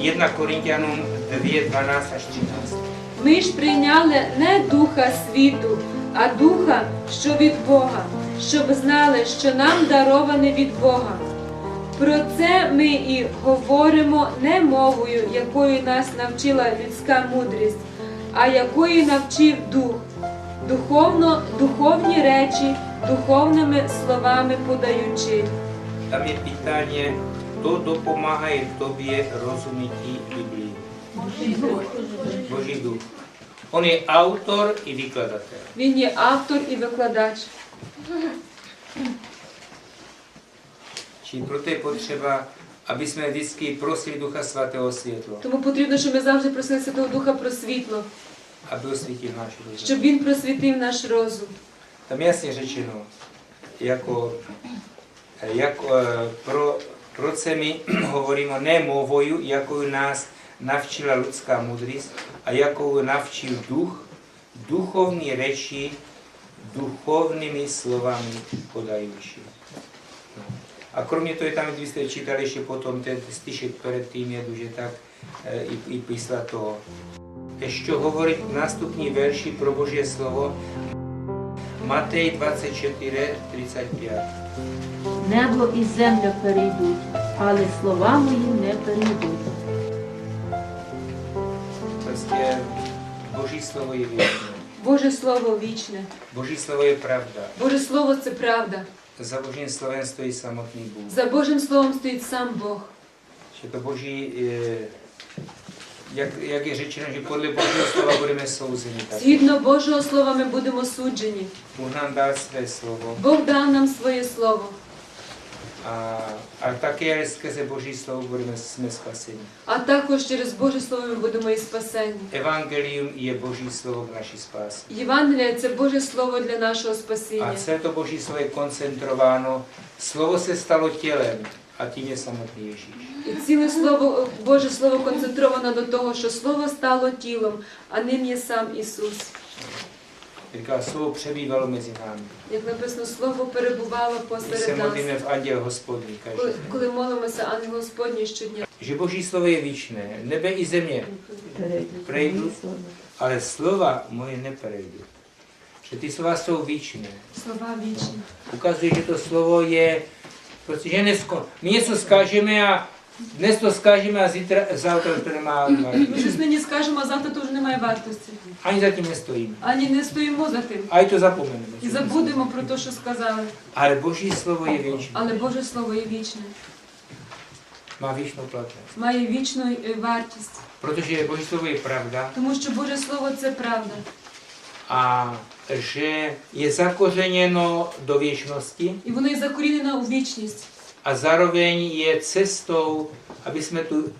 1 Korintianům 2, 12 až 13. Ми ж прийняли не духа світу, а духа, що від Бога, щоб знали, що нам дароване від Бога. Про це ми і говоримо не мовою, якою нас навчила людська мудрість, а якою навчив Дух, духовні речі, духовними словами подаючи. Tam je pytanie, kto dopomáha tobě rozumíti Biblii. Boží duch. On je autor i vykladatel. Він є автор і викладач. Čili proto je potřeba, aby jsme vždycky prosili Ducha Svatého světlo, Тому потрібно, щоб ми завжди просили Святого Духа про світло, aby osvítil náš rozum. щоб він просвітив наш розум. Tam je jasně řečeno, proč se my hovoríme ne mluvou, jakou nás navčila lidská mudrost a jakou navčil duch, duchovní řeči, duchovnými slovami podající. A kromě toho, tam, když jste čítali ještě potom ten stišek před tím, je duže tak i písla toho. Ještě hovorit nástupní verši pro Boží slovo, Matej 24, 35. Небо і земля перейдуть, але слова мої не перейдуть. Prostě Boží slovo je věčné. Боже Слово вічне. Boží slovo je pravda. Боже Слово – це правда. Za Božím slovem stojí samotný Bůh. За Божим Словом стоїть сам Бог. Že to Boží, jak je řečeno, že podle Božího slova budeme souzeni. Згідно Божого Слова ми будемо суджені. Bůh nám dal své slovo. Бог дав нам своє Слово. A také skrze Boží slovo jsme spaseni. А також через Боже Слово ми будемо і спасені. Evangelium je Boží slovo k naší spáse. Євангелія – це Боже Слово для нашого A спасіння. celé to Boží slovo je koncentrováno. Slovo se stalo tělem a tím je samotný Ježíš. І ціле Слово, Боже Слово концентровано до того, що Слово стало тілом, а ним є сам Ісус. Říká, slovo přebývalo mezi námi. Як написано, Слово перебувало My se посеред нас. modlíme v anděl Hospodní každý. Коли молимося ангел Господній щодня. Že Boží slovo je věčné. Nebe i země prejdou, ale slova moje neprejdou. Že ty slova jsou věčné. Слова вічні. Ukazuje, že to slovo je, protože my něco zkážeme a dnes to zkážeme a zítra to nemá Ми vážnost. щось нині скажемо, а завтра то вже немає вартості. Ani za tím nestojíme. Ані не стоїмо за тим. A i to zapomeneme. І забудемо про те, що сказали. Ale Boží slovo je věčné. Але Боже Слово є вічне. Má věčnou platnost. Має вічну вартість. Protože Boží slovo je pravda Тому що Боже Слово – це правда. a že je zakořeněno do věčnosti І воно є закорінено у вічність. a zároveň je cestou, aby jsme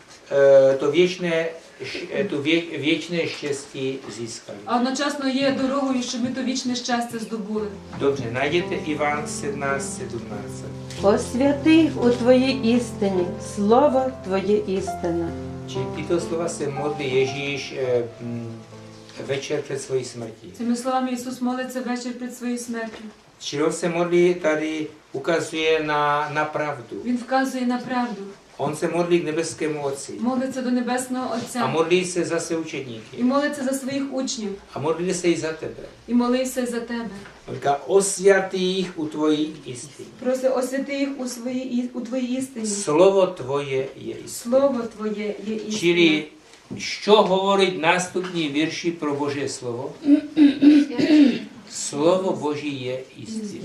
to věčné štěstí získali. А одночасно є дорогою, щоб ми то вічне щастя здобули. Dobře, najděte Ivan 17:17. Освяти у Твоїй істині, слово Твоє істина. Čili tyto slova se modlí Ježíš večer před svojí smrtí. Цими словами Ісус молиться вечір перед своєю смертю. Čili on se modlí, tady ukazuje na pravdu. Він вказує на правду. On se modlí k nebeskému Otci. Молиться до Небесного A Отця. modlí se za své І učedníky. молиться за своїх учнів. A modlí se i za tebe. І молився за тебе. On říká, osvětí jich u tvojí jistiny. Проси, освяти їх у Твоїй істині. Slovo tvoje je jisté. Слово Твоє є істина. Čili, що говорить наступні вірші про Боже Слово? Slovo Boží je jisté.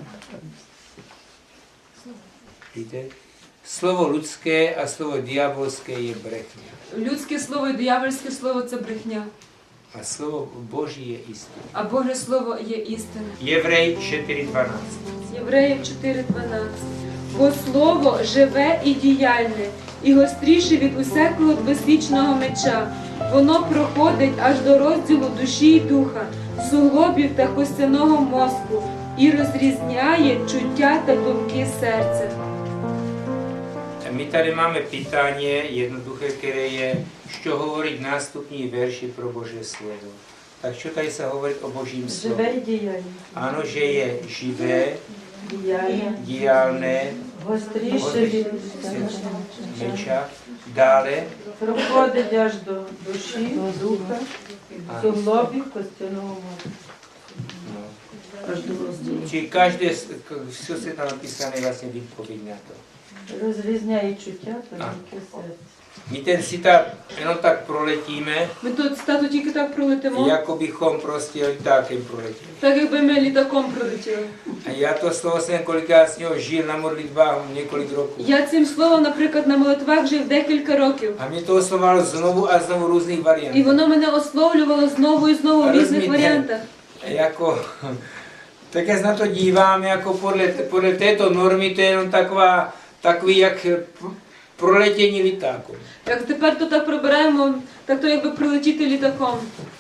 Víte? Slovo lidské a slovo diabolské je brechňa. Людське слово і диявольське слово – це брехня. A slovo Boží je jisté. А Боже Слово є істина. Jevrej 4.12. Євреїв 4.12. Бо слово живе і діяльне, і гостріше від усякого двосвічного меча. Воно проходить аж до розділу душі й духа, суглобів та костяного мозку, і розрізняє чуття та думки серця. My tady máme pytání jednoduché, které je, що говорить наступні верші про Боже Слово. Так що tady se hovorí o Božím slovu? Живе і діяльне. Ano, že je živé, Діяльне. diálné, Гостріше від meča, Dále, Проходить аж до душі, до духа, суглобів костяного мозку. no, Аж до розділу. či každé, все je tam napísané vlastně výpověď na to. Розрізняє чуття та думки серця. My ten citát jenom tak proletíme, Ми тут цитату тільки так пролетимо, jako bychom prostě letákem proletěli. так якби ми літаком пролетіли. A já to slovo jsem kolikrát s něho žil na modlitbách několik roků. Я цим словом, наприклад, на молитвах жив декілька років. A mě to oslovalo znovu a znovu různých І variant. воно мене ословлювало знову і знову в різних Розумієте? варіантах. Jako, tak já se na to dívám, jako podle této normy, to je jenom takový jak proletění letáku. Як тепер то так пробираємо, так то якби прилетіти літаком.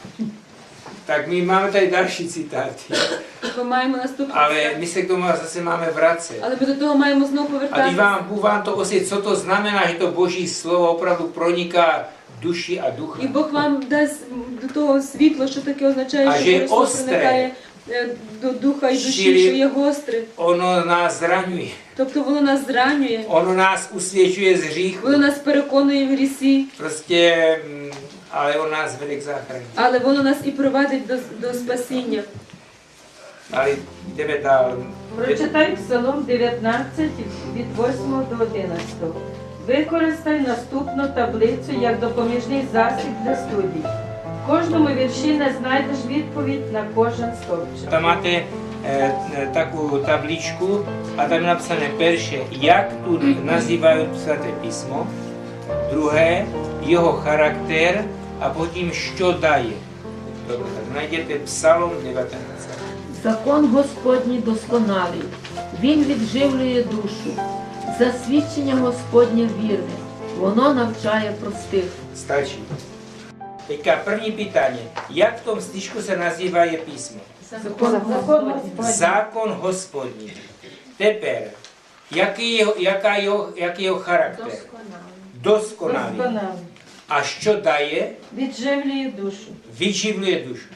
Tak my máme tady další citáty, Ми маємо наступний ale цитат. my se k tomu zase máme vracet. Але ми до того маємо знову A když повертатися. Bůh vám to osvětlí, co to znamená, že to Boží slovo opravdu proniká duši a ducha. І Бог вам дасть до того світло, що таке означає, А що же Боже Слово остре. проникає до духа і душі, Щирі. що є гостре. Ono nás zraňuje, Тобто воно нас зранює, ono nás usvědčuje z hříchu, воно нас переконує в грісі, prostě, ale on nás vede k záchraně. але воно нас і провадить до спасіння. Ale jdeme dál. Прочитай Псалом 19 від 8 до 11. Використай наступну таблицю як допоміжний засіб для студій. В кожному вірші не знайдеш відповідь на кожен стовпчик. Tam máte takovou tabličku a tam je napsané perše, jak tu nazývají svaté písmo, druhé, jeho charakter a potom, što daje. Dobře, tak najděte Psalom 19. Закон Господній досконалий, він відживлює душу. Засвідчення Господнє вірне, воно навчає простих. Stačí. Teďka první pytanie. Jak v tom stižku se nazývá je písmo? Закон Господній. Zákon hospodní. Teper. Jaký je jeho charakter? Dokonalý. Досконалий. A što daje? Відживлює душу. Vyživluje dušu.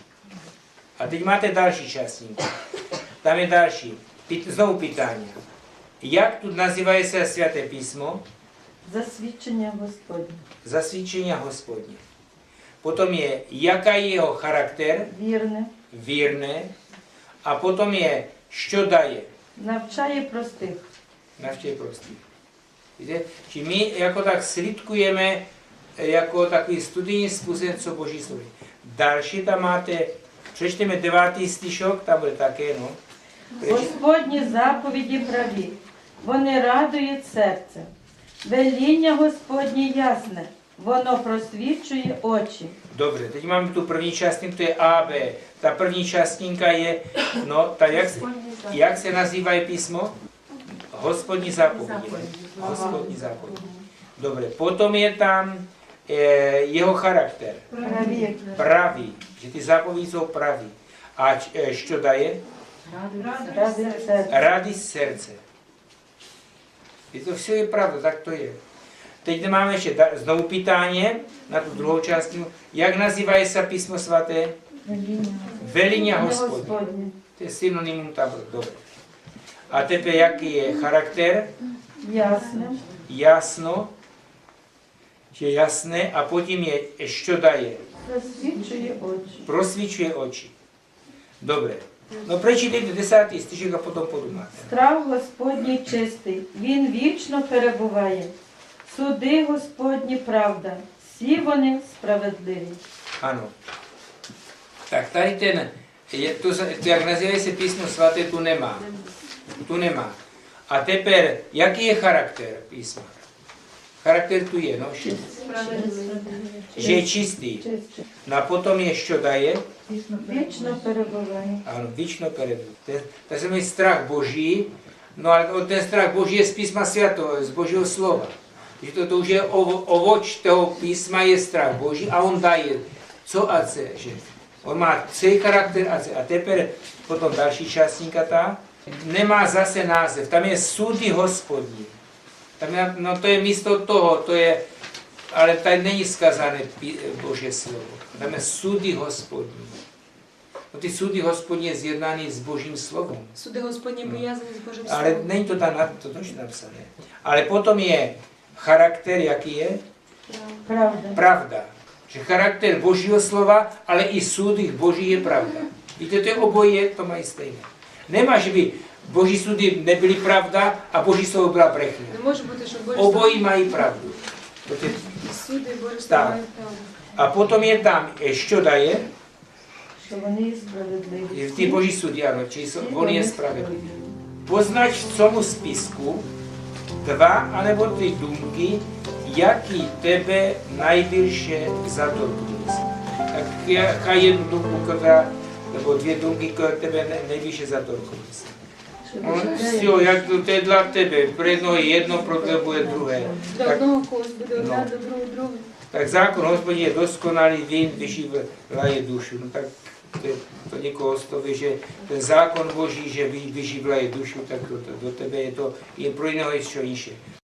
A teď máte další částník. Tam je další. Znovu pytání. Jak tu nazývají se svaté písmo? Засвідчення Господнє. Zasvědčení hospodně. Potom je, jaká je jeho charakter? Вірне. Vírné. A potom je, što daje? Навчає простих. Navštěv prostý. Víte? Či my jako tak slidkujeme jako takový studijní způsob, co Boží slovo. Další tam máte, přečteme 9. stišok, tam bude také, no. Господні заповіді праві, вони радують серце. Веління Господнє ясне, воно просвічує очі. Dobře, teď máme tu první částinku, to je A, B. Ta první částninka je, no, ta jak se nazývá písmo? Hospodní zápovědi. Hospodní zápovědi. Dobře, potom je tam jeho charakter. Праві. Pravý, že ty zápovědi jsou pravý. A što daje? Радують серце. Радість серця. І to все je pravda, tak to je. Teď máme ještě znovu pytání na tu druhou část. Jak nazývají se písmo svaté? Velíně Hospodně. Господнє. To je synonymum tam, dobře. A teďka jaký je charakter? Ясне. Jasno, že jasné, a potom je, što daje? Просвічує очі. Prosvíčuje oči. Dobře. No prečítejte 10. stižek a potom podumáte. Страв Господній чистий, він вічно перебуває. Суди Господні правда, всі вони справедливі. Ano. Tak tady ten, jak nazývají se písmo svaté, tu nemá. Tu nemá. A teper, jaký je charakter písma? Charakter tu je, no, že je čistý. Чистий. No a potom je, što daje? Вічно перебуває. Ano, víčno peredu. To se jmenuje strach Boží, no ale ten strach Boží je z písma svatého, z Božího slova. Že to už je ovoč toho písma je strach Boží a on daje co a co, že on má celý charakter a co. A teper potom další částníka ta nemá zase název, tam je sudy Hospodní. Tam je, no to je místo toho, to je, ale tady není zkazané Boží slovo. Tam je sudy Hospodní. No ty sudy Hospodní je zjednaný s Božím slovom. Суди Господні пов'язані з Божим Ale Словом. není to tam to точно napsané. Ale potom je charakter, jaký je? Правda. Pravda. Že charakter Božího slova, ale i súdy Boží je pravda. Víte, to je oboje, to mají stejné. Nemá, že by Boží súdy nebyly pravda a Boží slovo byla brechňa. Не може бути, що Боже Obojí mají pravdu. To je- суди, Боже Так. слава правду. A potom je tam, що дає? Що вони є справедливі. Ty Boží súdy, áno, či on je spravedlivý. Poznač v tomu spisku 2 anebo 3 dumky, jaký tebe najbільше zatorkнулися. Tak jaká jednu dumku, která, nebo 2 dumky, které tebe nejbільше zatorkнулися. No, все, jak to je dla tebe, pro jednoho je jedno, pro tebe bude druhé. Для Так, одного когось буде одна, Ну. до другого друге. tak zákon Hospodin je dokonalý, він vyživlaje dušu. No tak to někoho stoví, že ten zákon Boží, že vyživlaje dušu, tak do tebe je to, je pro jiného ještě jiše.